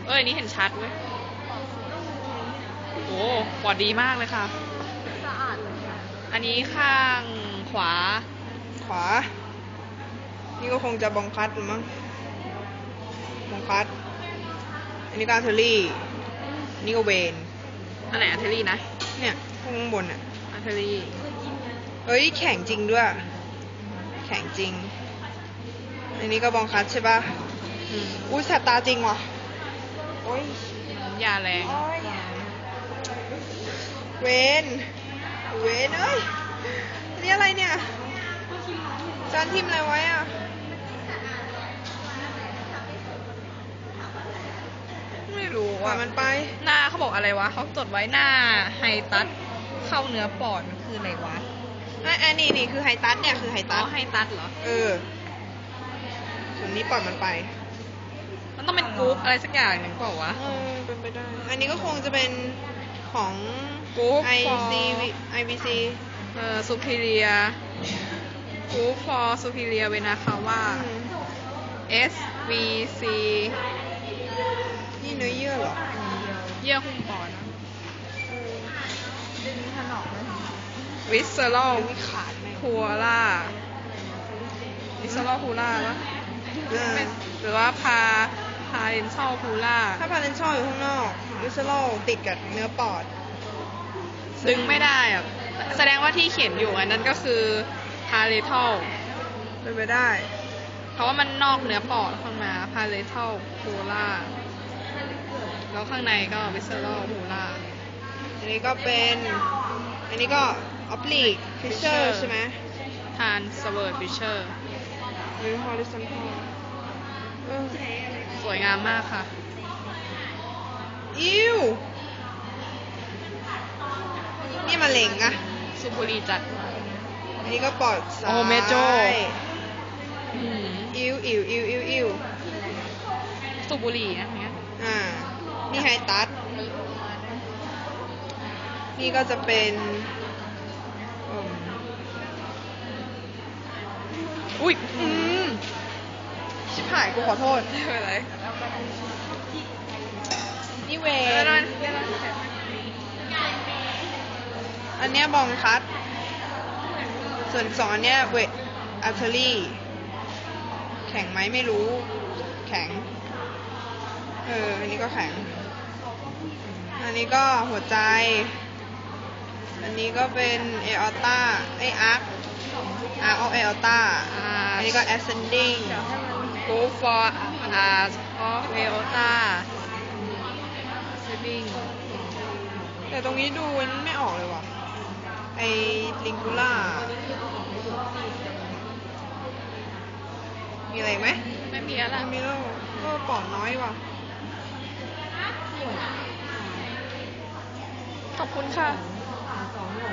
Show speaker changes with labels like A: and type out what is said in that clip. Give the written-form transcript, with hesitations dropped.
A: นี่เห็นชัดเว้ยโอ้ปอดดีมากเลยค่ะ
B: สะอาดเลย
A: อันนี้ข้างขวา
B: ขวา นี่ก็คงจะบองคัดมั้งบองคัด อันนี้ก็อาร์เทอรี่นี่ก็เวน
A: อันไหนอาร์เทอรี่นะ
B: เนี่ยข้างบนอ่ะ
A: อาร์เทอรี่
B: เฮ้ยแข็งจริงด้วย แข็งจริง อันนี้ก็บองคัดใช่ป่ะอุ้ยแสบตาจริงว่ะโอ้ย
A: ยาแรง
B: โอ้ยเวนเวนเอ้ยอันนี้อะไรเนี่ยจานทิมอะไรไว้อ่ะ
A: ไม่รู้
B: ปล่อ
A: อ่ะ
B: ยมันไป
A: หน้าเขาบอกอะไรวะเขาจดไว้หน้าไฮตัสเข้าเนื้อปอดมันคืออะไรวะ
B: อันนี้คือไฮตัสเนี่ยคือไฮ
A: อ๋
B: ตั
A: อ
B: ส
A: ไฮตัสเหรอ
B: ส่วนนี้ปล่อยมันไป
A: มันต้องเป็นกรุ๊ปอะไรสักอย่างหนึ่งเปล่าวะ
B: เป็นไปได้ อันนี้ก็คงจะเป็นของ
A: Group
B: IBC
A: superior group for superior vena cava SVC
B: นี่เนื้อเยื่อเหรอ
A: เยื่อหุ้มปอดนะ
B: ดึงถนอมไหม
A: visceral
B: มีขาดไหม
A: pura visceral pura ปะหรือว่าparental pura
B: ถ้าพาเลนชอลอยู่ข้างนอกวิสโลติดกับเนื้อปอด
A: ดึงไม่ได้อะแสดงว่าที่เขียนอยู่อันนั้นก็คือ parental
B: เป็นไปได้
A: เพราะว่ามันนอกเนื้อปอดข้างมา parental pura แล้วข้างในก็ visceral pura
B: อันนี้ก็เป็น อันนี้ก็ oblique fissure ใช่ไหม
A: transverse fissure
B: หรือ horizontal
A: สวยงามมากค่ะ
B: อิ้ว นี่มะเร็งอะ
A: สุบุรีจัด
B: อันนี้ก็ปอดซ้าย
A: โอ้เมโจ้
B: อิ้วอิ้วอิ้วอิ้วอิ้ว
A: สุบุรีนะเนี้ย
B: นี่ไฮตัส นี่ก็จะเป็น
A: อุ้ย
B: ชิบหายกูขอโทษ
A: ไม่เป็นไร
B: นี่เว
A: เดี๋ยวน
B: อันเนี้ยบองคัด ส่วนสองอันเนี้ยเวทอาร์เทอรี่ แข็งไหมไม่รู้ แข็ง อันนี้ก็แข็ง อันนี้ก็หัวใจ อันนี้ก็เป็นเอออต้าอาร์คออฟเอออต้า อันนี้ก็ ascending
A: go for art of aorta saving
B: แต่ตรงนี้ดูไม่ออกเลยว่ะ ไอลิงคูล่า มีอะไรไหม
A: ไม่มีแล้วล่ะ
B: ไม่มีแล้วก็ปอดน้อยว่ะ
A: ขอบคุณค่ะ